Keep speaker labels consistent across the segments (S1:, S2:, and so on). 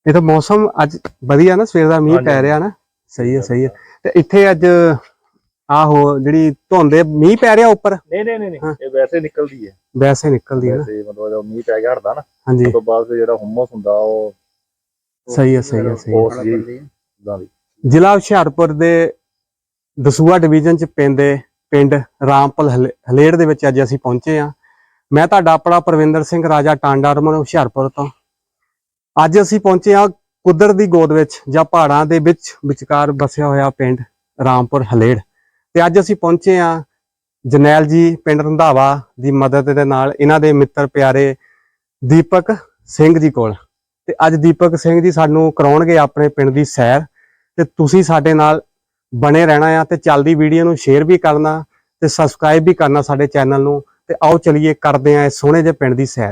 S1: ਇਹ ਤਾਂ ਮੌਸਮ ਅੱਜ ਵਧੀਆ ਨਾ, ਸਵੇਰ ਦਾ ਮੀਂਹ ਪੈ ਰਿਹਾ ਨਾ। ਸਹੀ ਹੈ ਸਹੀ ਹੈ। ਤੇ ਇੱਥੇ ਅੱਜ ਆਹੋ ਜਿਹੜੀ ਧੁੰਦ ਮੀਂਹ ਪੈ ਰਿਹਾ ਉੱਪਰ?
S2: ਨਹੀਂ ਇਹ ਵੈਸੇ ਨਿਕਲਦੀ ਹੈ।
S1: ਵੈਸੇ ਨਿਕਲਦੀ ਹੈ ਨਾ,
S2: ਵੈਸੇ ਮਤਲਬ ਜਦੋਂ ਮੀਂਹ ਪੈ ਗਿਆ ਹਟਦਾ ਨਾ,
S1: ਹਾਂਜੀ,
S2: ਉਸ ਤੋਂ ਬਾਅਦ ਜਿਹੜਾ ਹੁਮਸ ਹੁੰਦਾ ਉਹ
S1: ਸਹੀ ਹੈ ਸਹੀ ਹੈ ਸਹੀ ਹੈ।
S2: ਹੈ।
S1: ਜ਼ਿਲ੍ਹਾ ਹੁਸ਼ਿਆਰਪੁਰ ਦੇ ਦਸੂਹਾ ਡਿਵੀਜ਼ਨ ਚ ਪੈਂਦੇ ਪਿੰਡ ਰਾਮਪੁਰ ਹਲੇੜ ਦੇ ਵਿੱਚ ਅੱਜ ਅਸੀਂ ਪਹੁੰਚੇ ਹਾਂ। ਮੈਂ ਤੁਹਾਡਾ ਆਪਣਾ ਪ੍ਰਵਿੰਦਰ ਸਿੰਘ ਰਾਜਾ ਟਾਂਡਾ ਰਮਨ ਹੁਸ਼ਿਆਰਪੁਰ ਤੋਂ। ਅੱਜ ਅਸੀਂ ਪਹੁੰਚੇ ਹਾਂ ਕੁਦਰਤ ਦੀ ਗੋਦ ਵਿੱਚ ਜਾਂ ਪਹਾੜਾਂ ਦੇ ਵਿਚਕਾਰ ਵਸਿਆ ਹੋਇਆ ਪਿੰਡ ਰਾਮਪੁਰ ਹਲੇੜ। ਤੇ ਅੱਜ ਅਸੀਂ ਪਹੁੰਚੇ ਹਾਂ ਜਰਨੈਲ ਜੀ ਪਿੰਡ ਰੰਧਾਵਾ ਦੀ ਮਦਦ ਦੇ ਨਾਲ, ਇਹਨਾਂ ਦੇ ਮਿੱਤਰ ਪਿਆਰੇ ਦੀਪਕ ਸਿੰਘ ਜੀ ਕੋਲ। ਤੇ ਅੱਜ ਦੀਪਕ ਸਿੰਘ ਜੀ ਸਾਨੂੰ ਕਰਾਉਣਗੇ ਆਪਣੇ ਪਿੰਡ ਦੀ ਸੈਰ, ਤੇ ਤੁਸੀਂ ਸਾਡੇ ਨਾਲ ਬਣੇ ਰਹਿਣਾ ਆ। ਤੇ ਚੱਲਦੀ ਵੀਡੀਓ ਨੂੰ ਸ਼ੇਅਰ ਵੀ ਕਰਨਾ ਤੇ ਸਬਸਕ੍ਰਾਈਬ ਵੀ ਕਰਨਾ ਸਾਡੇ ਚੈਨਲ ਨੂੰ। ਤੇ ਆਓ ਚਲੀਏ ਕਰਦੇ ਆ ਇਸ ਸੋਹਣੇ ਜਿਹੇ ਪਿੰਡ ਦੀ ਸੈਰ।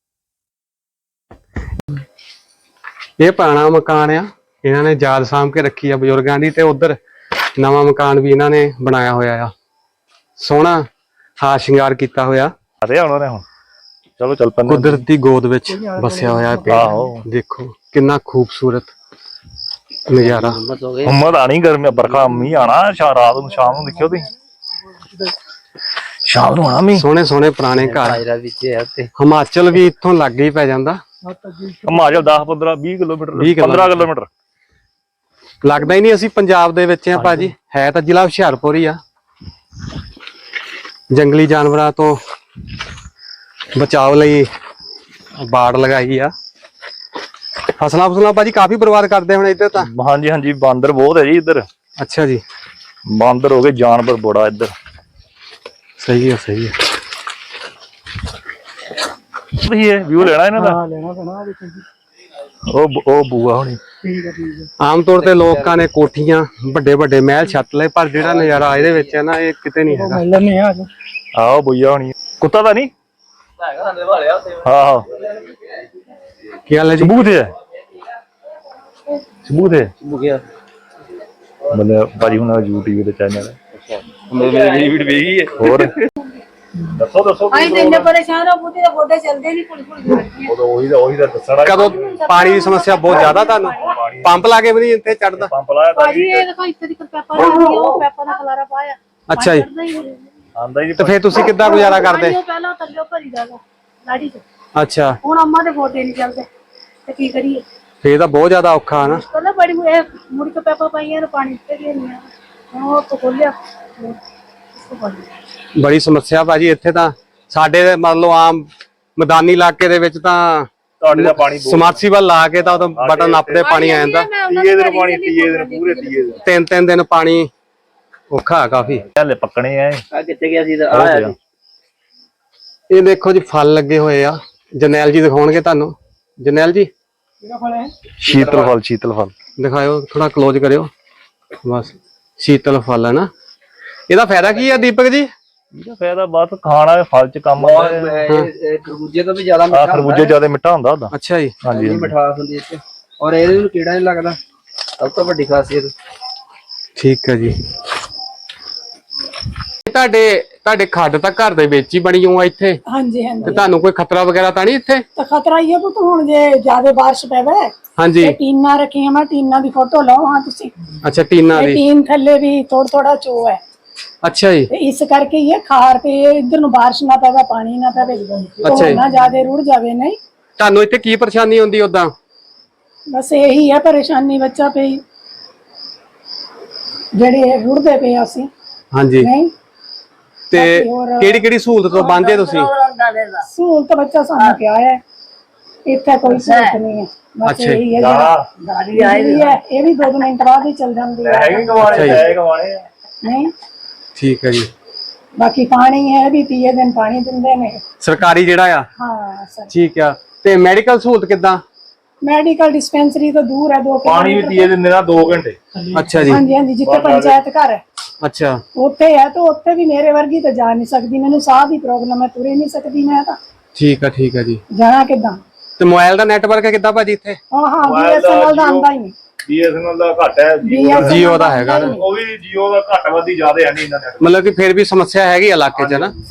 S1: ਇਹ ਪੁਰਾਣਾ ਮਕਾਨ ਆ, ਇਹਨਾਂ ਨੇ ਯਾਦ ਸਾਂਭ ਕੇ ਰੱਖੀ ਆ ਬਜ਼ੁਰਗਾਂ ਦੀ। ਤੇ ਉਧਰ ਨਵਾਂ ਮਕਾਨ ਵੀ ਇਹਨਾਂ ਨੇ ਬਣਾਇਆ ਹੋਇਆ ਆ, ਸੋਹਣਾ ਹਾਰ ਸ਼ਿੰਗਾਰ ਕੀਤਾ ਹੋਇਆ।
S2: ਚਲੋ ਚੱਲ ਪੈਂਦੇ।
S1: ਕੁਦਰਤ ਦੀ ਗੋਦ ਵਿੱਚ ਵਸਿਆ ਹੋਇਆ ਪਿੰਡ। ਦੇਖੋ ਕਿੰਨਾ ਖੂਬਸੂਰਤ ਨਜ਼ਾਰਾ।
S2: ਹੁਮਸ ਆਣੀ, ਗਰਮੀ ਬਰਖਾ ਮੀਂਹ ਆਣਾ ਰਾਤ ਨੂੰ, ਸ਼ਾਮ ਨੂੰ ਦੇਖਿਓ ਤੁਸੀਂ, ਸ਼ਾਮ ਨੂੰ ਆਣਾ ਮੀਂਹ।
S1: ਸੋਹਣੇ ਸੋਹਣੇ ਪੁਰਾਣੇ ਘਰ। ਹਿਮਾਚਲ ਵੀ ਇੱਥੋਂ ਲਾਗੇ ਹੀ ਪੈ ਜਾਂਦਾ।
S2: ਹਿਮਾਚਲ 10 15 20 ਕਿਲੋਮੀਟਰ 15 ਕਿਲੋਮੀਟਰ
S1: ਲੱਗਦਾ ਹੀ ਨਹੀਂ ਅਸੀਂ ਪੰਜਾਬ ਦੇ ਵਿੱਚ ਆ ਭਾਜੀ। ਹੈ ਤਾਂ ਜ਼ਿਲ੍ਹਾ ਹੁਸ਼ਿਆਰਪੁਰ ਹੀ ਆ। ਜੰਗਲੀ ਜਾਨਵਰਾਂ ਤੋਂ ਬਚਾਓ ਲਈ ਬਾੜ ਲਗਾਈ ਆ। ਫਸਲਾਂ ਭਾਜੀ ਕਾਫੀ ਬਰਬਾਦ ਕਰਦੇ ਹੁਣ ਇੱਧਰ ਤਾਂ।
S2: ਹਾਂਜੀ ਬਾਂਦਰ ਬਹੁਤ ਹੈ ਜੀ ਇੱਧਰ।
S1: ਅੱਛਾ ਜੀ,
S2: ਬਾਂਦਰ ਹੋ ਗਏ, ਜਾਨਵਰ ਬੜਾ ਇੱਧਰ।
S1: ਸਹੀ ਹੈ ਸਹੀ ਹੈ।
S2: ਵਿਊ ਲੈਣਾ ਇਹਨਾਂ ਦਾ?
S3: ਲੈਣਾ ਪੈਣਾ।
S2: ਉਹ ਬੂਆ ਹੋਣੀ।
S1: ਆਮ ਤੌਰ ਤੇ ਲੋਕਾਂ ਨੇ ਕੋਠੀਆਂ ਵੱਡੇ ਵੱਡੇ ਮਹਿਲ ਛੱਤ ਲਏ, ਪਰ ਜਿਹੜਾ ਨਜ਼ਾਰਾ ਇਹਦੇ ਵਿੱਚ ਹੈ ਨਾ, ਇਹ ਕਿਤੇ ਨਹੀਂ ਹੈਗਾ।
S2: ਆਹੋ ਬੂਆ ਹੋਣੀ। ਕੁੱਤਾ ਤਾਂ ਨਹੀਂ? ਹਾਂ
S1: ਕੀ ਹਾਲ ਹੈ ਜੀ?
S2: ਸਬੂਤ ਹੈ ਮਤਲਬ ਭਾਜੀ ਹੁਣ YouTube ਤੇ ਚੈਨਲ ਹੈ। ਮੇਰੀ ਵੀਡੀਓ ਵੇਖੀ ਹੈ। ਹੋਰ ਦੱਸੋ
S3: ਅਸੀਂ ਤੇ ਇੰਨੇ ਪਰੇਸ਼ਾਨ ਹੋ, ਬੁੱਢੇ ਦੇ ਗੋਡੇ ਚੱਲਦੇ ਨਹੀਂ,
S2: ਉਹੀ ਦਾ ਦੱਸਣਾ।
S1: ਕਦੋਂ ਪਾਣੀ ਦੀ ਸਮੱਸਿਆ ਬਹੁਤ ਜ਼ਿਆਦਾ ਤੁਹਾਨੂੰ? ਪੰਪ ਲਾ ਕੇ ਵੀ ਨਹੀਂ ਇੱਥੇ ਚੜਦਾ?
S2: ਪੰਪ ਲਾਇਆ ਤਾਂ
S3: ਭਾਜੀ ਇਹ ਦੇਖੋ ਇੱਥੇ ਦੀ ਪੈਪਾ ਲੱਗੀ, ਉਹ ਪੈਪਾ ਦਾ ਖਲਾਰਾ ਪਾਇਆ।
S1: ਅੱਛਾ ਜੀ,
S2: ਆਂਦਾ ਹੀ
S1: ਤੇ ਫੇਰ ਤੁਸੀਂ ਕਿੱਦਾਂ ਗੁਜ਼ਾਰਾ ਕਰਦੇ?
S3: ਉਹ ਪਹਿਲਾਂ ਥੱਲੇ ਭਰੀ ਜਾਗਾ ਲਾੜੀ ਚ।
S1: ਅੱਛਾ,
S3: ਹੁਣ ਅੰਮਾ ਦੇ ਗੋਡੇ ਨਹੀਂ ਚੱਲਦੇ ਤੇ ਕੀ ਕਰੀਏ?
S1: ਫੇਰ ਤਾਂ ਬਹੁਤ ਜ਼ਿਆਦਾ ਔਖਾ ਨਾ।
S3: ਪਹਿਲਾਂ ਬੜੀ ਮੁੜ ਕੇ ਪੈਪਾ ਪਾਈਆਂ, ਪਾਣੀ ਤੇ ਗਿਆ ਨਹੀਂ ਆ। ਹੁਣ ਉਹ ਖੋਲਿਆ।
S1: ਬੜੀ ਸਮੱਸਿਆ ਭਾਜੀ ਇੱਥੇ ਤਾਂ। ਸਾਡੇ ਮੰਨ ਲਓ ਆਮ ਮੈਦਾਨੀ ਇਲਾਕੇ ਦੇ ਵਿੱਚ ਤਾਂ
S2: ਤੁਹਾਡੇ ਦਾ ਪਾਣੀ
S1: ਸਮਰਸੀਬਲ ਲਾ ਕੇ ਤਾਂ ਉਹ ਬਟਨ ਨੱਪਦੇ ਪਾਣੀ ਆ ਜਾਂਦਾ।
S2: 30 ਦਿਨ ਪਾਣੀ, 30 ਦਿਨ ਪੂਰੇ 30 ਦਿਨ,
S1: 3 ਦਿਨ ਪਾਣੀ ਔਖਾ ਕਾਫੀ।
S2: ਹਲੇ ਪੱਕਣੇ ਆ।
S3: ਆ ਕਿੱਥੇ ਗਿਆ ਸੀ?
S1: ਇਹ ਦੇਖੋ ਜੀ ਫਲ ਲੱਗੇ ਹੋਏ ਆ, ਜਰਨੈਲ ਜੀ ਦਿਖਾਉਣਗੇ ਤੁਹਾਨੂੰ। ਜਰਨੈਲ ਜੀ
S2: ਸ਼ੀਤਲ ਫਲ
S1: ਦਿਖਾਇਓ, ਥੋੜਾ ਕਲੋਜ਼ ਕਰਿਓ ਬਸ। ਸ਼ੀਤਲ ਫਲ ਹੈ ਨਾ, ਇਹਦਾ ਫਾਇਦਾ ਕੀ ਆ ਦੀਪਕ ਜੀ?
S2: ਇਹਦਾ ਫਾਇਦਾ ਬਸ ਖਾਣਾ, ਫਲ ਚ ਕੰਮ ਆਉਂਦਾ ਹੈ।
S3: ਖਰਬੂਜੇ ਤੋਂ ਵੀ ਜ਼ਿਆਦਾ ਮਿੱਠਾ ਹੁੰਦਾ।
S2: ਖਰਬੂਜੇ ਜ਼ਿਆਦਾ ਮਿੱਠਾ ਹੁੰਦਾ ਉਹਦਾ।
S1: ਅੱਛਾ ਜੀ,
S2: ਹਾਂਜੀ
S3: ਮਿਠਾਸ ਹੁੰਦੀ ਹੈ ਔਰ ਇਹਦੇ ਨੂੰ ਕੀੜਾ ਨਹੀਂ ਲੱਗਦਾ, ਸਭ ਤੋਂ ਵੱਡੀ ਖਾਸੀਅਤ।
S1: ਠੀਕ ਹੈ ਜੀ। ਤੁਹਾਡੇ ਖੱਡ ਤਾਂ ਘਰ ਦੇ ਵਿੱਚ ਹੀ ਬਣੀ ਹੋਆ ਇੱਥੇ?
S3: ਹਾਂਜੀ
S1: ਤੇ ਤੁਹਾਨੂੰ ਕੋਈ ਖਤਰਾ ਵਗੈਰਾ ਤਾਂ ਨਹੀਂ ਇੱਥੇ?
S3: ਤਾਂ ਖਤਰਾ ਹੀ ਹੈ ਪੁੱਤ, ਹੁਣ ਜੇ ਜ਼ਿਆਦਾ ਬਾਰਿਸ਼ ਪਵੇ।
S1: ਹਾਂਜੀ,
S3: ਟੀਨਾਂ ਰੱਖੀਆਂ, ਮੈਂ ਟੀਨਾਂ ਦੀ ਫੋਟੋ ਲਾਓ ਹਾਂ ਤੁਸੀਂ।
S1: ਅੱਛਾ, ਟੀਨਾਂ ਦੀ।
S3: ਟੀਨ ਥੱਲੇ ਵੀ ਥੋੜਾ ਚੋ ਹੈ।
S1: ਅੱਛਾ ਜੀ,
S3: ਤੇ ਇਸ ਕਰਕੇ ਇਹ ਖਾਰ ਤੇ ਇਧਰ ਨੂੰ ਬਾਰਿਸ਼ ਨਾ ਪਵੇ, ਪਾਣੀ ਨਾ ਪਵੇ,
S1: ਅੱਛਾ ਜੀ,
S3: ਨਾ ਜ਼ਿਆਦਾ ਰੁੜ ਜਾਵੇ। ਨਹੀਂ
S1: ਤੁਹਾਨੂੰ ਇੱਥੇ ਕੀ ਪਰੇਸ਼ਾਨੀ ਹੁੰਦੀ ਉਦਾਂ?
S3: ਬਸ ਇਹੀ ਹੈ ਪਰੇਸ਼ਾਨੀ, ਬੱਚਾ ਪਈ ਜਿਹੜੇ ਰੁੜਦੇ ਪਏ ਅਸੀਂ।
S1: ਹਾਂਜੀ,
S3: ਨਹੀਂ
S1: ਤੇ ਕਿਹੜੀ ਸਹੂਲਤ ਤੋਂ ਵਾਂਝੇ ਤੁਸੀਂ?
S3: ਸਹੂਲਤ ਬੱਚਾ ਸਾਨੂੰ ਕਿਹਾ ਹੈ, ਇੱਥੇ ਕੋਈ ਸਹੂਲਤ ਨਹੀਂ ਹੈ। ਬਸ ਇਹੀ ਹੈ ਗਾੜੀ ਆਈ ਹੈ, ਇਹ ਵੀ 2 ਮਿੰਟ ਬਾਅਦ ਹੀ ਚੱਲ ਜਾਂਦੀ ਹੈ। ਨਹੀਂ
S1: ਠੀਕ ਹੈ ਜੀ।
S3: ਬਾਕੀ ਪਾਣੀ ਹੈ ਵੀ 30 ਦਿਨ ਪਾਣੀ ਦਿੰਦੇ ਨੇ
S1: ਸਰਕਾਰੀ ਜਿਹੜਾ ਆ?
S3: ਹਾਂ ਸਰ।
S1: ਠੀਕ ਆ। ਤੇ ਮੈਡੀਕਲ ਸਹੂਲਤ ਕਿੱਦਾਂ?
S3: ਮੈਡੀਕਲ ਡਿਸਪੈਂਸਰੀ ਤੋਂ ਦੂਰ ਹੈ, 2
S2: ਪਾਣੀ ਵੀ 30 ਦਿਨ ਦਾ 2 ਘੰਟੇ।
S1: ਅੱਛਾ ਜੀ,
S3: ਹਾਂਜੀ ਜਿੱਥੇ ਪੰਚਾਇਤ ਘਰ ਹੈ
S1: ਅੱਛਾ
S3: ਉੱਥੇ ਹੈ। ਤਾਂ ਉੱਥੇ ਵੀ ਮੇਰੇ ਵਰਗੀ ਤਾਂ ਜਾ ਨਹੀਂ ਸਕਦੀ, ਮੈਨੂੰ ਸਾਹ ਦੀ ਪ੍ਰੋਬਲਮ ਹੈ, ਤੁਰੇ ਨਹੀਂ ਸਕਦੀ ਮੈਂ ਤਾਂ।
S1: ਠੀਕ ਆ ਜੀ।
S3: ਜਾਣਾ ਕਿੱਦਾਂ?
S1: ਤੇ ਮੋਬਾਈਲ ਦਾ ਨੈਟਵਰਕ ਹੈ ਕਿੱਦਾਂ ਭਾਜੀ ਇੱਥੇ?
S3: ਹਾਂ BSNL ਦਾ ਆਉਂਦਾ ਹੀ ਨਹੀਂ।
S2: BSNL ਦਾ ਘੱਟ ਹੈ,
S1: ਜੀਓ ਦਾ ਹੈਗਾ ਨਾ।
S2: ਉਹ ਵੀ ਜੀਓ ਦਾ ਘੱਟ ਵੱਧੀ ਜ਼ਿਆਦਾ ਹੈ ਨਹੀਂ ਇਹਨਾਂ ਨੇ।
S1: ਮਤਲਬ ਕਿ ਫਿਰ ਵੀ ਸਮੱਸਿਆ ਹੈਗੀ ਇਲਾਕੇ 'ਚ ਨਾ।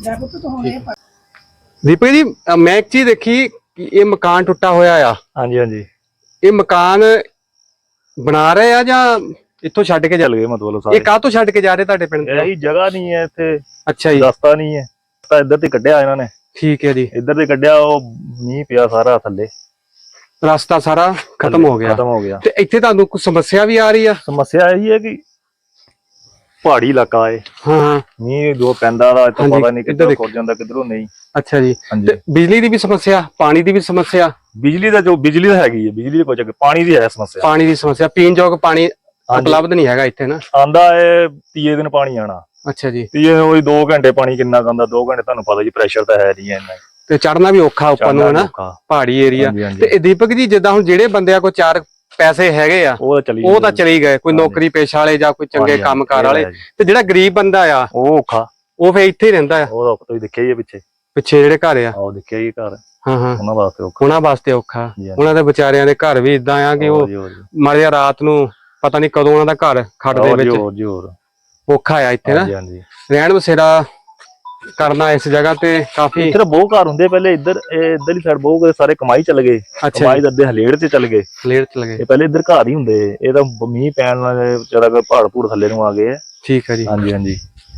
S1: ਦੀਪਕ ਜੀ, ਮੈਂ ਇੱਕ ਚੀਜ਼ ਦੇਖੀ ਕਿ ਇਹ ਮਕਾਨ ਟੁੱਟਾ ਹੋਇਆ ਆ।
S2: ਹਾਂਜੀ
S1: ਇਹ ਮਕਾਨ ਬਣਾ ਰਹੇ ਆ ਜਾਂ ਇੱਥੋਂ ਛੱਡ ਕੇ
S2: ਚੱਲ ਗਏ ਮਤਲਬ
S1: ਇਹ
S2: ਸਾਰੇ।
S1: ਕਾਹ ਤੋਂ ਛੱਡ ਕੇ ਜਾ ਰਹੇ ਤੁਹਾਡੇ ਪਿੰਡ ਤੋਂ?
S2: ਇਹੀ ਜਗ੍ਹਾ ਨਹੀਂ ਹੈ ਇੱਥੇ,
S1: ਅੱਛਾ ਜੀ,
S2: ਰਸਤਾ ਨਹੀਂ ਹੈ, ਤਾਂ ਇੱਧਰ ਤੇ ਕੱਢਿਆ ਇਹਨਾਂ ਨੇ,
S1: ਠੀਕ ਹੈ ਜੀ।
S2: ਇੱਧਰ ਤੇ ਕੱਢਿਆ, ਉਹ ਮੀਂਹ ਪਿਆ ਸਾਰਾ ਥੱਲੇ
S1: ਰਸਤਾ ਸਾਰਾ ਖਤਮ ਹੋ ਗਿਆ।
S2: ਖਤਮ ਹੋ ਗਿਆ।
S1: ਤੇ ਇੱਥੇ ਤੁਹਾਨੂੰ ਕੋਈ ਸਮੱਸਿਆ ਵੀ ਆ ਰਹੀ ਆ?
S2: ਸਮੱਸਿਆ ਇਹੀ ਹੈ ਕਿ ਪਹਾੜੀ ਇਲਾਕਾ ਹੈ,
S1: ਹਾਂ ਹਾਂ,
S2: ਮੀਂਹ ਜੋ ਪੈਂਦਾ ਦਾ ਇੱਥੇ
S1: ਹਾਂਜੀ,
S2: ਪਤਾ ਨਹੀਂ
S1: ਇੱਧਰ
S2: ਕਿੱਧਰ
S1: ਦੇਖੋ।
S2: ਖੁਰ ਜਾਂਦਾ ਕਿੱਧਰੋਂ ਨਹੀਂ।
S1: ਅੱਛਾ ਜੀ।
S2: ਹਾਂਜੀ,
S1: ਤੇ ਬਿਜਲੀ ਦੀ ਵੀ ਸਮੱਸਿਆ, ਪਾਣੀ ਦੀ ਵੀ ਸਮੱਸਿਆ?
S2: ਬਿਜਲੀ ਦਾ ਹੈਗੀ ਹੈ, ਬਿਜਲੀ ਦੀ ਕੋਈ ਚੱਕਰ, ਪਾਣੀ ਦੀ ਹੈ ਸਮੱਸਿਆ।
S1: ਪਾਣੀ ਦੀ ਸਮੱਸਿਆ, ਪੀਣ ਯੋਗ ਪਾਣੀ ਉਪਲਬਧ ਨਹੀਂ ਹੈਗਾ ਇੱਥੇ ਨਾ?
S2: ਆਂਦਾ ਹੈ ਤੀਏ ਦਿਨ ਪਾਣੀ ਆਣਾ।
S1: ਅੱਛਾ ਜੀ।
S2: ਤੀਏ ਉਹ 2 ਘੰਟੇ ਪਾਣੀ ਕਿੰਨਾ ਆਉਂਦਾ, 2 ਘੰਟੇ ਤੁਹਾਨੂੰ ਪਤਾ ਜੀ ਪ੍ਰੈਸ਼ਰ ਤਾਂ ਹੈ ਨਹੀਂ ਇੰਨਾ,
S1: ਤੇ ਚੜਨਾ ਵੀ ਔਖਾ ਉੱਪਰ ਨੂੰ ਹੈ ਨਾ,
S2: ਔਖਾ।
S1: ਪਹਾੜੀ ਏਰੀਆ।
S2: ਹਾਂਜੀ, ਹਾਂਜੀ।
S1: ਤੇ ਇਹ ਦੀਪਕ ਜੀ, ਜਿੱਦਾਂ ਹੁਣ ਜਿਹੜੇ ਬੰਦਿਆਂ ਕੋਲ 4 ਪੈਸੇ ਹੈਗੇ ਆ
S2: ਉਹ ਤਾਂ
S1: ਉਹ ਤਾਂ ਚਲੀ ਗਏ, ਕੋਈ
S2: ਹਾਂਜੀ।
S1: ਨੌਕਰੀ ਪੇਸ਼ਾ ਵਾਲੇ ਜਾਂ ਕੋਈ ਚੰਗੇ
S2: ਹਾਂਜੀ,
S1: ਕੰਮਕਾਰ
S2: ਇਹ
S1: ਵਾਲੇ,
S2: ਹੈ ਜੀ।
S1: ਤੇ ਜਿਹੜਾ ਗਰੀਬ ਬੰਦਾ ਆ
S2: ਉਹ ਔਖਾ,
S1: ਉਹ ਫੇਰ ਇੱਥੇ ਹੀ ਰਹਿੰਦਾ ਆ,
S2: ਉਹ ਤੁਸੀਂ ਦੇਖਿਆ ਹੀ ਹੈ ਪਿੱਛੇ,
S1: ਪਿੱਛੇ ਜਿਹੜੇ ਘਰ ਆ।
S2: ਉਹ ਦੇਖਿਆ ਹੀ ਘਰ,
S1: ਹਾਂ ਹਾਂ,
S2: ਉਹਨਾਂ ਵਾਸਤੇ ਔਖਾ।
S1: ਉਹਨਾਂ ਵਾਸਤੇ ਔਖਾ।
S2: ਹਾਂਜੀ,
S1: ਉਹਨਾਂ ਦੇ ਵਿਚਾਰਿਆਂ ਦੇ ਘਰ ਵੀ ਇਦਾਂ ਆ ਕਿ ਉਹ ਮਾਰਿਆ ਰਾਤ ਨੂੰ ਪਤਾ ਨਹੀਂ ਕਦੋਂ ਉਹਨਾਂ ਦਾ ਘਰ ਖੱਡ ਦੇ ਵਿੱਚ
S2: ਹੋਰ
S1: ਔਖਾ ਆ ਇੱਥੇ ਨਾ
S2: ਹਾਂਜੀ, ਹਾਂਜੀ।
S1: ਰਹਿਣ ਬਸੇਰਾ ਕਰਨਾ ਇਸ ਜਗ੍ਹਾ ਤੇ ਕਾਫੀ।
S2: ਇੱਧਰ ਬਹੁਤ ਘਰ ਹੁੰਦੇ ਪਹਿਲੇ, ਇੱਧਰਲੀ ਸਾਈਡ ਬਹੁਤ ਸਾਰੇ ਕਮਾਈ ਚੱਲ ਗਏ,
S1: ਅੱਛਾ,
S2: ਕਮਾਈ ਦੇ ਅੱਧੇ ਹਲੇੜ ਤੇ ਚੱਲ ਗਏ,
S1: ਲੇਟ ਚਲ ਗਏ।
S2: ਇਹ ਪਹਿਲੇ ਇੱਧਰ ਘਰ ਹੀ ਹੁੰਦੇ, ਇਹ ਤਾਂ ਮੀਂਹ ਪੈਣ ਨਾਲ ਵਿਚਾਰਾ ਪਹਾੜ ਪੂੜ ਥੱਲੇ ਨੂੰ ਆ ਗਏ।
S1: ਠੀਕ ਹੈ ਜੀ।
S2: ਹਾਂਜੀ, ਹਾਂਜੀ।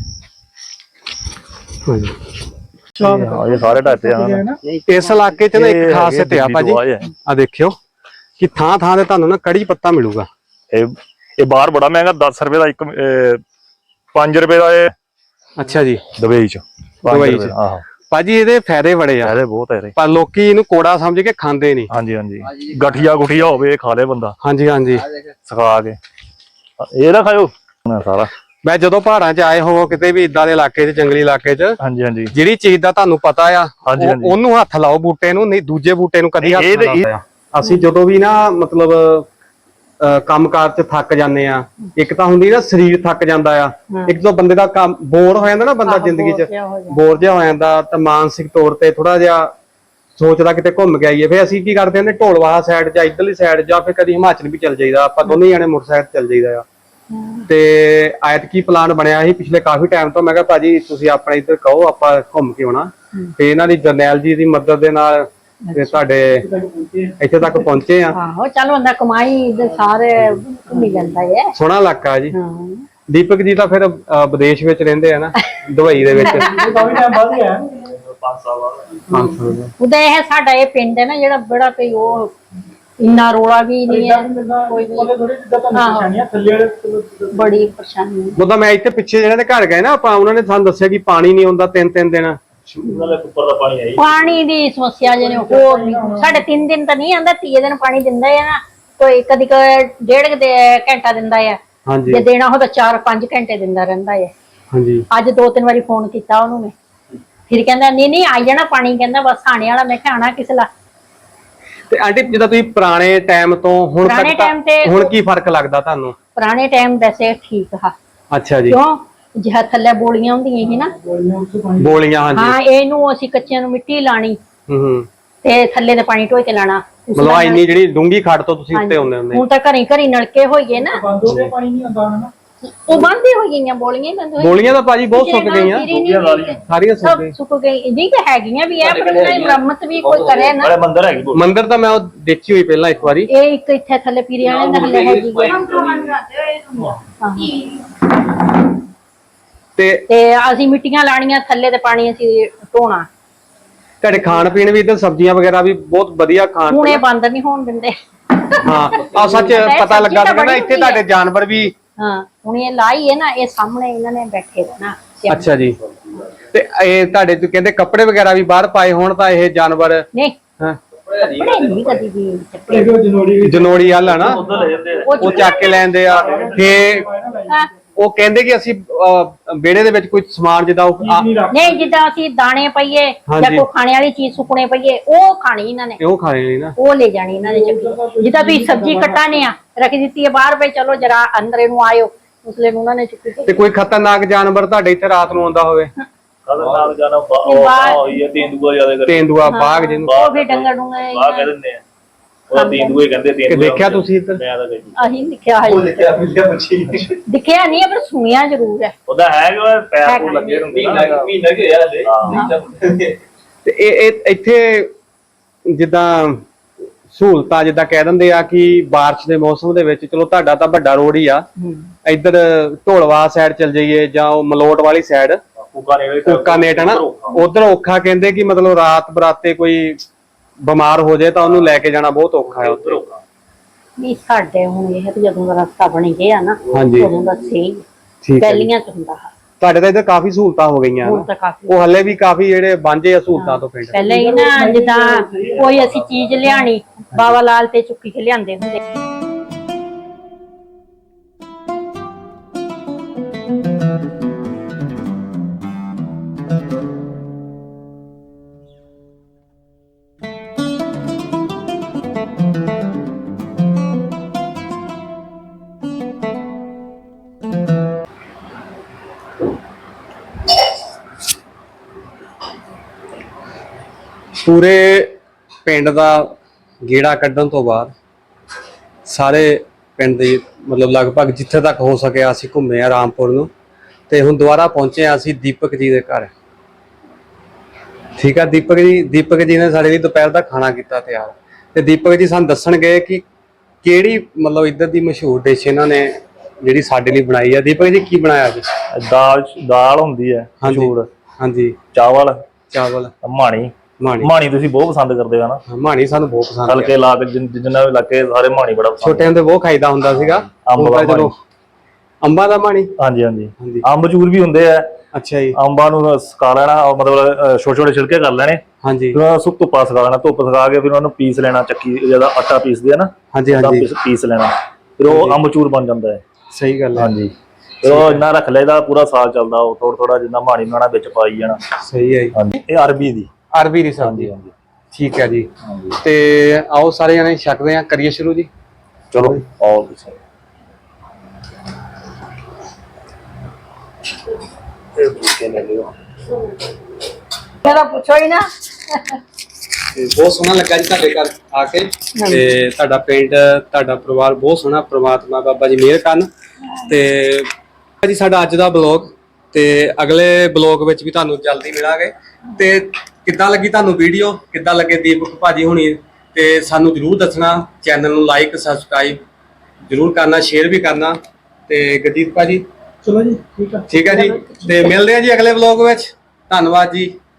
S1: ਹਾਂਜੀ।
S2: ਇਹ ਸਾਰੇ ਢਾਤੇ ਆ
S1: ਇਸ ਇਲਾਕੇ 'ਚ ਨਾ ਇੱਕ ਖਾਸੀਅਤ ਆ ਭਾਜੀ, ਆ ਦੇਖਿਓ ਕਿ ਥਾਂ ਥਾਂ ਤੇ ਤੁਹਾਨੂੰ ਨਾ ਕੜੀ ਪੱਤਾ ਮਿਲੂਗਾ।
S2: ਇਹ ਬਾਹਰ ਬੜਾ ਮਹਿੰਗਾ, 10 ਰੁਪਏ ਦਾ ਇੱਕ, 5 ਰੁਪਏ ਦਾ ਇਹ
S1: ਅੱਛਾ ਜੀ,
S2: ਦੁਬਈ ਚ।
S1: ਦੁਬਈ ਚ।
S2: ਆਹੋ
S1: ਭਾਜੀ ਇਹਦੇ ਫਾਇਦੇ ਬੜੇ ਆ,
S2: ਫਾਇਦੇ ਬਹੁਤ ਹੈ ਇਹਦੇ।
S1: ਪਰ ਲੋਕੀ ਇਹਨੂੰ ਕੋੜਾ ਸਮਝ ਕੇ ਖਾਂਦੇ ਨਹੀਂ।
S2: ਹਾਂਜੀ, ਹਾਂਜੀ। ਗਠੀਆ ਗੁਠੀਆ ਹੋਵੇ ਖਾ ਲੇ ਬੰਦਾ,
S1: ਹਾਂਜੀ ਹਾਂਜੀ,
S2: ਸੁਕਾ ਕੇ। ਇਹ ਨਾ ਖਾਓ ਸਾਰਾ।
S1: ਮੈਂ ਜਦੋਂ ਪਹਾੜਾਂ 'ਚ ਆਏ ਹੋਵੋ ਕਿਤੇ ਵੀ ਇਦਾਂ ਦੇ ਇਲਾਕੇ 'ਚ, ਜੰਗਲੀ ਇਲਾਕੇ 'ਚ,
S2: ਹਾਂਜੀ, ਹਾਂਜੀ।
S1: ਜਿਹੜੀ ਚੀਜ਼ ਦਾ ਤੁਹਾਨੂੰ ਪਤਾ ਆ
S2: ਹਾਂਜੀ, ਹਾਂਜੀ।
S1: ਉਹਨੂੰ ਹੱਥ ਲਾਓ ਬੂਟੇ ਨੂੰ, ਨਹੀਂ ਦੂਜੇ ਬੂਟੇ ਨੂੰ ਕਦੀ ਹੱਥ ਨਾ ਲਾਓ। ਅਸੀਂ ਜਦੋਂ ਵੀ ਨਾ ਮਤਲਬ ਕੰਮਕਾਰ 'ਚ ਥੱਕ ਜਾਂਦੇ ਆ, ਇੱਕ ਤਾਂ ਹੁੰਦੀ ਨਾ ਸਰੀਰ ਥੱਕ ਜਾਂਦਾ ਆ, ਇੱਕ ਤੋਂ ਬੰਦੇ ਦਾ ਕੰਮ ਬੋਰ ਹੋ ਜਾਂਦਾ ਨਾ, ਬੰਦਾ ਜ਼ਿੰਦਗੀ 'ਚ ਬੋਰ ਜਿਹਾ ਹੋ ਜਾਂਦਾ, ਤਾਂ ਮਾਨਸਿਕ ਤੌਰ ਤੇ ਥੋੜਾ ਜਿਹਾ ਸੋਚਦਾ ਕਿਤੇ ਘੁੰਮ ਕੇ ਆਈਏ। ਫਿਰ ਅਸੀਂ ਕੀ ਕਰਦੇ ਹਾਂ, ਢੋਲਵਾਹਾ ਸਾਈਡ ਜਾਂ ਇੱਧਰਲੀ ਸਾਈਡ, ਜਾਂ ਫਿਰ ਕਦੀ ਹਿਮਾਚਲ ਵੀ ਚੱਲ ਜਾਈਦਾ, ਆਪਾਂ ਦੋਨੇ ਜਾਣੇ ਮੋਟਰਸਾਈਕਲ ਚੱਲ ਜਾਈਦਾ ਆ। ਤੇ ਐਤਕੀ ਪਲਾਨ ਬਣਿਆ ਸੀ ਪਿਛਲੇ ਕਾਫੀ ਟਾਈਮ ਤੋਂ, ਮੈਂ ਕਿਹਾ ਭਾਜੀ ਤੁਸੀਂ ਆਪਣੇ ਇੱਧਰ ਕਹੋ, ਆਪਾਂ ਘੁੰਮ ਕੇ ਆਉਣਾ। ਤੇ ਇਹਨਾਂ ਦੀ ਜਰਨੈਲ ਜੀ ਦੀ ਮਦਦ ਦੇ ਨਾਲ ਤੇ ਤੁਹਾਡੇ ਇੱਥੇ ਤੱਕ ਪਹੁੰਚੇ ਆ।
S4: ਆਹੋ ਚੱਲ ਹੁੰਦਾ, ਕਮਾਈ ਦੇ ਸਾਰੇ ਘੁੰਮੀ ਜਾਂਦਾ ਹੈ।
S1: ਸੋਹਣਾ ਇਲਾਕਾ ਜੀ। ਦੀਪਕ ਜੀ ਤਾਂ ਫਿਰ ਵਿਦੇਸ਼ ਵਿੱਚ ਰਹਿੰਦੇ ਆ ਨਾ, ਦੁਬਈ ਦੇ ਵਿੱਚ।
S3: ਕਾਫੀ ਟਾਈਮ ਬਾਅਦ ਹੀ ਆਇਆ,
S2: 5 ਸਾਲ ਬਾਅਦ।
S4: ਉਹਦਾ ਇਹ ਸਾਡਾ ਇਹ ਪਿੰਡ ਹੈ ਨਾ ਜਿਹੜਾ ਬੜਾ ਕੋਈ ਉਹ ਇੰਨਾ ਰੋਲਾ ਵੀ ਨਹੀਂ ਹੈ, ਕੋਈ ਵੀ
S3: ਥੋੜੀ ਜਿੱਦਾਂ ਤੁਹਾਨੂੰ ਪਰੇਸ਼ਾਨੀਆਂ ਥੱਲੇ ਵਾਲੇ
S4: ਬੜੀ ਪਰੇਸ਼ਾਨੀ ਹੈ।
S1: ਉਦੋਂ ਮੈਂ ਇੱਥੇ ਪਿੱਛੇ ਜਿਹਨਾਂ ਦੇ ਘਰ ਗਏ ਨਾ ਆਪਾਂ, ਉਹਨਾਂ ਨੇ ਸਾਨੂੰ ਦੱਸਿਆ ਕਿ ਪਾਣੀ ਨਹੀਂ ਆਉਂਦਾ 3-3 ਦਿਨ।
S2: ਉੱਪਰ ਦਾ ਪਾਣੀ ਆਈ,
S4: ਪਾਣੀ ਦੀ ਸਮੱਸਿਆ ਜਿਹਨੇ ਹੋਰ ਨਹੀਂ, ਸਾਡੇ 3 ਦਿਨ ਤਾਂ ਨਹੀਂ ਆਂਦਾ, 3 ਦਿਨ ਪਾਣੀ ਦਿੰਦਾ ਹੈ ਨਾ, ਕੋਈ ਕਦੀ ਡੇਢ ਘੰਟਾ ਦਿੰਦਾ ਹੈ,
S1: ਹਾਂਜੀ
S4: ਜੇ ਦੇਣਾ ਹੋ ਤਾਂ 4-5 ਘੰਟੇ ਦਿੰਦਾ ਰਹਿੰਦਾ ਹੈ।
S1: ਹਾਂਜੀ।
S4: ਅੱਜ 2-3 ਵਾਰੀ ਫੋਨ ਕੀਤਾ ਉਹਨੂੰ ਮੈਂ, ਫਿਰ ਕਹਿੰਦਾ ਨਹੀਂ ਆ ਜਾਣਾ ਪਾਣੀ, ਕਹਿੰਦਾ ਬਸ ਆਣੇ ਵਾਲਾ। ਮੈਂ ਕਿਹਾ ਆਣਾ ਕਿਸ ਲਾ।
S1: ਤੇ ਆਂਟੀ ਜਿੱਦਾਂ ਤੁਸੀਂ ਪੁਰਾਣੇ ਟਾਈਮ ਤੋਂ ਹੁਣ
S4: ਪੁਰਾਣੇ
S1: ਤੱਕ
S4: time ਤੇ
S1: ਹੁਣ ਕੀ ਫਰਕ ਲੱਗਦਾ ਤੁਹਾਨੂੰ?
S4: ਪੁਰਾਣੇ ਟਾਈਮ ਵੈਸੇ ਠੀਕ ਆ।
S1: ਅੱਛਾ ਜੀ।
S4: ਕਿਉਂ, ਜਿਹਾ ਥੱਲੇ ਬੋਲੀਆਂ ਹੁੰਦੀਆਂ ਸੀ ਨਾ,
S1: ਬੋਲੀਆਂ, ਹਾਂਜੀ।
S4: ਹਾਂ, ਇਹਨੂੰ ਅਸੀਂ ਕੱਚਿਆਂ ਨੂੰ ਮਿੱਟੀ ਲਾਣੀ
S1: ਹੂੰ।
S4: ਤੇ ਥੱਲੇ ਦੇ ਪਾਣੀ ਢੋਏ ਕੇ ਲਾਣਾ।
S1: ਮਤਲਬ ਇੰਨੀ ਜਿਹੜੀ ਡੂੰਗੀ ਖੱਡ ਤੋਂ ਤੁਸੀਂ ਉੱਤੇ ਆਉਂਦੇ ਹੁੰਦੇ।
S4: ਹੁਣ ਤਾਂ ਘਰੀ ਘਰੀ ਨਲਕੇ ਹੋਈਏ ਨਾ,
S3: ਬੰਦੋ ਦੇ ਪਾਣੀ ਨਹੀਂ ਆਉਂਦਾ ਨਾ,
S4: ਉਹ ਬੰਦ ਹੀ ਹੋ ਗਈਆਂ, ਬੋਲੀਆਂ ਬੰਦ ਹੋਈਆਂ।
S1: ਬੋਲੀਆਂ ਤਾਂ ਭਾਜੀ ਬਹੁਤ ਸੁੱਕ ਗਈਆਂ, ਸਾਰੀਆਂ ਸੁੱਕ
S4: ਸਭ
S1: ਗਈਆਂ।
S4: ਸੁੱਕ ਗਈ ਨਹੀਂ, ਤਾਂ ਹੈਗੀਆਂ ਵੀ ਆ, ਪਰ ਉਹਨਾਂ ਦੀ ਮੁਰੰਮਤ ਵੀ ਕੋਈ ਕਰੇ ਨਾ।
S2: ਮੰਦਰ ਹੈਗੀ
S1: ਮੰਦਿਰ ਤਾਂ ਮੈਂ ਉਹ ਦੇਖੀ ਹੋਈ ਪਹਿਲਾਂ ਇੱਕ ਵਾਰੀ।
S4: ਇਹ ਇੱਕ ਇੱਥੇ ਥੱਲੇ ਪੀਰੀਆਂ ਵਾਲੇ ਨਹਲੇ ਹੈਗੀ ਤੇ ਅਸੀਂ ਮਿੱਟੀਆਂ ਲਾਣੀਆਂ, ਥੱਲੇ ਤੇ ਪਾਣੀ ਅਸੀਂ ਢੋਣਾ।
S1: ਤੁਹਾਡੇ ਖਾਣ ਪੀਣ ਵੀ ਇੱਧਰ ਸਬਜ਼ੀਆਂ ਵਗੈਰਾ ਵੀ ਬਹੁਤ ਵਧੀਆ ਖਾਣ
S4: ਹੁਣ ਇਹ ਬੰਦ ਨਹੀਂ ਹੋਣ ਦਿੰਦੇ।
S1: ਹਾਂ, ਆ ਸੱਚ ਪਤਾ ਲੱਗਾ ਸੀ ਨਾ ਇੱਥੇ ਤੁਹਾਡੇ ਜਾਨਵਰ ਵੀ।
S4: ਹਾਂ, ਹੁਣ ਇਹ ਲਾਈ ਹੈ ਨਾ, ਇਹ ਸਾਹਮਣੇ ਇਹਨਾਂ ਨੇ ਬੈਠੇ ਰਹਿਣਾ।
S1: ਅੱਛਾ ਜੀ। ਤੇ ਇਹ ਤੁਹਾਡੇ ਤੋਂ ਕਹਿੰਦੇ ਕੱਪੜੇ ਵਗੈਰਾ ਵੀ ਬਾਹਰ ਪਾਏ ਹੋਣ ਤਾਂ ਇਹ ਜਾਨਵਰ?
S4: ਨਹੀਂ,
S1: ਹਾਂ,
S4: ਕੱਪੜੇ ਨਹੀਂ ਕਦੀ ਵੀ
S1: ਜਨੋੜੀ ਵਾਲਾ ਨਾ, ਉਹ ਚੱਕ ਕੇ ਲੈਂਦੇ ਆ। ਫੇ
S4: ਹਾਂ।
S1: ਉਹ ਕਹਿੰਦੇ ਕਿ ਅਸੀਂ ਵਿਹੜੇ ਦੇ ਵਿੱਚ ਕੋਈ ਸਮਾਨ ਜਿੱਦਾਂ
S4: ਨਹੀਂ, ਜਿੱਦਾਂ ਅਸੀਂ ਦਾਣੇ ਪਈਏ ਜਾਂ ਕੋਈ ਖਾਣੇ ਵਾਲੀ ਚੀਜ਼ ਸੁੱਕਣੇ ਪਈਏ, ਉਹ ਖਾਣੀ ਇਹਨਾਂ ਨੇ,
S1: ਉਹ ਖਾਣੇ ਨਹੀਂ ਨਾ,
S4: ਉਹ ਲੈ ਜਾਣੀ ਇਹਨਾਂ ਨੇ ਚੱਕੀ। ਜਿੱਦਾਂ ਤੁਸੀਂ ਸਬਜ਼ੀ ਕੱਟਾਨੇ ਆ, ਰੱਖ ਦਿੱਤੀ ਹੈ ਬਾਹਰ, ਪਈ ਚਲੋ ਜਰਾ ਅੰਦਰ ਇਹਨੂੰ ਆਇਓ, ਉਸਲੇ ਉਹਨਾਂ ਨੇ ਚੁੱਕੀ।
S1: ਤੇ ਕੋਈ ਖਤਰਨਾਕ ਜਾਨਵਰ ਤੁਹਾਡੇ ਇੱਥੇ ਰਾਤ ਨੂੰ ਆਉਂਦਾ ਹੋਵੇ?
S2: ਖਤਰਨਾਕ ਜਾਨਵਰ ਹੋਈ ਹੈ, ਤੇਂਦੂਆ ਜ਼ਿਆਦਾ ਕਰ,
S1: ਤੇਂਦੂਆ, ਬਾਘ ਜਿਹਨੂੰ
S4: ਉਹ ਵੀ ਡੰਗਰ ਡੂੰਗੇ
S2: ਬਾਘ ਕਹਿ ਦਿੰਦੇ ਆ, ਉਹ ਤੇਂਦੂਏ ਕਹਿੰਦੇ। ਤੇਂਦੂਆ
S1: ਦੇਖਿਆ ਤੁਸੀਂ ਇੱਧਰ?
S2: ਮੈਂ ਤਾਂ ਕਹੀ
S4: ਅਸੀਂ ਦਿਖਿਆ ਹੈ, ਦਿਖਿਆ ਨਹੀਂ ਪਰ ਸੁਣਿਆ ਜ਼ਰੂਰ ਹੈ।
S2: ਉਹਦਾ ਹੈ ਕਿ ਪੈਰ ਤੋਂ ਲੱਗੇ ਹੁੰਦੇ ਨਾ, ਮਹੀਨਾ ਕਿ ਹੋਇਆ ਹਲੇ।
S1: ਤੇ ਇਹ ਇੱਥੇ ਜਿੱਦਾਂ ਸਹੂਲਤਾਂ ਜਿੱਦਾਂ ਕਹਿ ਦਿੰਦੇ ਆ ਕਿ ਬਾਰਿਸ਼ ਦੇ ਮੌਸਮ ਦੇ ਵਿੱਚ, ਚਲੋ ਤੁਹਾਡਾ ਤਾਂ ਵੱਡਾ ਰੋਡ ਹੀ ਆ, ਇੱਧਰ ਢੋਲਵਾ ਸਾਈਡ ਚਲ ਜਾਈਏ ਜਾਂ ਉਹ ਮਲੋਟ ਵਾਲੀ ਸਾਈਡ ਕੁੱਕਾਨੇਟ ਹੈ ਨਾ, ਉਧਰ ਔਖਾ ਕਹਿੰਦੇ ਕਿ ਮਤਲਬ ਰਾਤ ਬਰਾਤੇ ਕੋਈ ਬਿਮਾਰ ਹੋ ਜਾਏ ਤਾਂ ਉਹਨੂੰ ਲੈ ਕੇ ਜਾਣਾ ਬਹੁਤ ਔਖਾ ਹੈ ਉੱਧਰ।
S4: ਨਹੀਂ ਸਾਡੇ ਹੁਣ ਇਹ ਤੇ ਜਦੋਂ ਦਾ ਰਸਤਾ ਬਣ ਗਿਆ ਨਾ
S1: ਹਾਂਜੀ
S4: ਉਦੋਂ ਦਾ ਸਹੀ
S1: ਠੀਕ ਹੈ ਜੀ।
S4: ਪਹਿਲੀਆਂ ਚ ਹੁੰਦਾ
S1: ਤੁਹਾਡੇ ਤਾਂ ਇੱਧਰ ਕਾਫੀ ਸਹੂਲਤਾਂ ਹੋ ਗਈਆਂ
S4: ਹੁਣ
S1: ਨਾ,
S4: ਤਾਂ ਕਾਫੀ
S1: ਉਹ ਹੱਲੇ ਵੀ ਕਾਫੀ ਜਿਹੜੇ ਵਾਂਝੇ ਆ ਸਹੂਲਤਾਂ ਤੋਂ ਪਿੰਡ।
S4: ਪਹਿਲੇ ਹੀ ਨਾ ਜਿੱਦਾਂ ਕੋਈ ਅਸੀਂ ਚੀਜ਼ ਲਿਆਣੀ ਬਾਬਾ ਲਾਲ ਤੇ ਚੁੱਕੀ ਕੇ ਲਿਆਂਦੇ ਹੁੰਦੇ।
S1: ਪੂਰੇ ਪਿੰਡ ਦਾ ਗੇੜਾ ਕੱਢਣ ਤੋਂ ਬਾਅਦ ਸਾਰੇ ਪਿੰਡ ਦੇ ਮਤਲਬ ਲਗਭਗ ਜਿੱਥੇ ਤੱਕ ਹੋ ਸਕਿਆ ਅਸੀਂ ਘੁੰਮੇ ਆ ਰਾਮਪੁਰ ਨੂੰ, ਤੇ ਹੁਣ ਦੁਬਾਰਾ ਪਹੁੰਚੇ ਆ ਅਸੀਂ ਦੀਪਕ ਜੀ ਦੇ ਘਰ। ਠੀਕ ਆ, ਦੀਪਕ ਜੀ ਨੇ ਸਾਡੇ ਲਈ ਦੁਪਹਿਰ ਦਾ ਖਾਣਾ ਕੀਤਾ ਤਿਆਰ, ਤੇ ਦੀਪਕ ਜੀ ਸਾਨੂੰ ਦੱਸਣਗੇ ਕਿ ਕਿਹੜੀ ਮਤਲਬ ਇੱਧਰ ਦੀ ਮਸ਼ਹੂਰ ਡਿਸ਼ ਇਹਨਾਂ ਨੇ ਜਿਹੜੀ ਸਾਡੇ ਲਈ ਬਣਾਈ ਆ। ਦੀਪਕ ਜੀ ਕੀ ਬਣਾਇਆ ਅੱਜ?
S2: ਦਾਲ ਹੁੰਦੀ ਹੈ ਮਸ਼ਹੂਰ,
S1: ਹਾਂਜੀ,
S2: ਚਾਵਲ
S1: ਮਾਣੀ
S2: ਮਾਣੀ ਤੁਸੀਂ ਬਹੁਤ ਪਸੰਦ ਕਰਦੇ ਹੋ ਨਾ?
S1: ਮਾਣੀ ਸਾਨੂੰ ਬਹੁਤ ਪਸੰਦ ਹੈ।
S2: ਹਲਕੇ ਲਾ ਕੇ ਜਿੰਨਾ ਵੀ ਲੱਗੇ ਸਾਰੇ ਮਾਣੀ ਬੜਾ ਪਸੰਦ।
S1: ਛੋਟੇ ਹੁੰਦੇ ਬਹੁਤ ਖਾਈਦਾ ਹੁੰਦਾ ਸੀਗਾ। ਅੰਬਾਂ ਦਾ ਮਾਣੀ,
S2: ਹਾਂਜੀ ਹਾਂਜੀ। ਅੰਬ ਚੂਰ ਵੀ ਹੁੰਦੇ ਆ।
S1: ਅੱਛਾ ਜੀ।
S2: ਅੰਬਾਂ ਨੂੰ ਸੁਕਾ ਲੈਣਾ, ਮਤਲਬ ਛੋਟੇ ਛੋਟੇ ਛਿਲਕੇ ਕਰ ਲੈਣੇ,
S1: ਹਾਂਜੀ,
S2: ਫਿਰ ਸੁੱਕ ਧੁੱਪਾ ਸੁਕਾ ਲੈਣਾ, ਧੁੱਪ ਸੁਕਾ ਕੇ ਫਿਰ ਉਹਨੂੰ ਪੀਸ ਲੈਣਾ, ਚੱਕੀ ਜਿਹਦਾ ਆਟਾ ਪੀਸਦੇ ਆ ਨਾ,
S1: ਹਾਂਜੀ ਹਾਂਜੀ,
S2: ਪੀਸ ਲੈਣਾ, ਫਿਰ ਉਹ ਅੰਬ ਚੂਰ ਬਣ ਜਾਂਦਾ ਹੈ।
S1: ਸਹੀ ਗੱਲ ਹੈ।
S2: ਹਾਂਜੀ, ਫਿਰ ਉਹ ਇੰਨਾ ਰੱਖ ਲੈਦਾ ਪੂਰਾ ਸਾਲ ਚੱਲਦਾ, ਉਹ ਥੋੜਾ ਥੋੜਾ ਜਿੰਨਾ ਮਾਣੀ ਬਣਾਉਣਾ ਵਿੱਚ ਪਾਈ ਜਾਣਾ।
S1: ਸਹੀ ਹੈ ਜੀ।
S2: ਹਾਂਜੀ, ਇਹ ਅਰਬੀ ਦੀ
S1: ਸਬਜ਼ੀ।
S2: ਹਾਂਜੀ,
S1: ਠੀਕ ਹੈ ਜੀ। ਤੇ ਆਓ ਸਾਰੇ ਜਣੇ ਛਕਦੇ ਆ, ਕਰੀਏ ਸ਼ੁਰੂ ਜੀ।
S2: ਚਲੋ ਆਓ ਤੁਸੀਂ।
S4: ਮੇਰਾ ਪੁੱਛੋ ਹੀ ਨਾ।
S1: ਬਹੁਤ ਸੋਹਣਾ ਲੱਗਾ ਜੀ ਤੁਹਾਡੇ ਘਰ ਆ ਕੇ, ਤੇ ਤੁਹਾਡਾ ਪਿੰਡ, ਤੁਹਾਡਾ ਪਰਿਵਾਰ ਬਹੁਤ ਸੋਹਣਾ, ਪ੍ਰਮਾਤਮਾ ਬਾਬਾ ਜੀ ਮਿਹਰ ਕਰਨ। ਤੇ ਜੀ ਸਾਡਾ ਅੱਜ ਦਾ ਬਲੌਗ, ਤੇ ਅਗਲੇ ਬਲੌਗ ਵਿੱਚ ਵੀ ਤੁਹਾਨੂੰ ਜਲਦੀ ਮਿਲਾਂਗੇ। ਤੇ ਕਿੱਦਾਂ ਲੱਗੀ ਤੁਹਾਨੂੰ ਵੀਡੀਓ, ਕਿੱਦਾਂ ਲੱਗੇ ਦੀਪਕ ਭਾਜੀ ਹੁਣੀ, ਤੇ ਸਾਨੂੰ ਜਰੂਰ ਦੱਸਣਾ। ਚੈਨਲ ਨੂੰ ਲਾਈਕ ਸਬਸਕ੍ਰਾਈਬ ਜਰੂਰ ਕਰਨਾ, ਸ਼ੇਅਰ ਵੀ ਕਰਨਾ। ਤੇ ਗੁਰਜੀਤ ਭਾਜੀ,
S3: ਚਲੋ ਜੀ, ਠੀਕ ਆ।
S1: ਠੀਕ ਹੈ ਜੀ, ਤੇ ਮਿਲਦੇ ਆ ਜੀ ਅਗਲੇ ਬਲੌਗ ਵਿੱਚ। ਧੰਨਵਾਦ ਜੀ।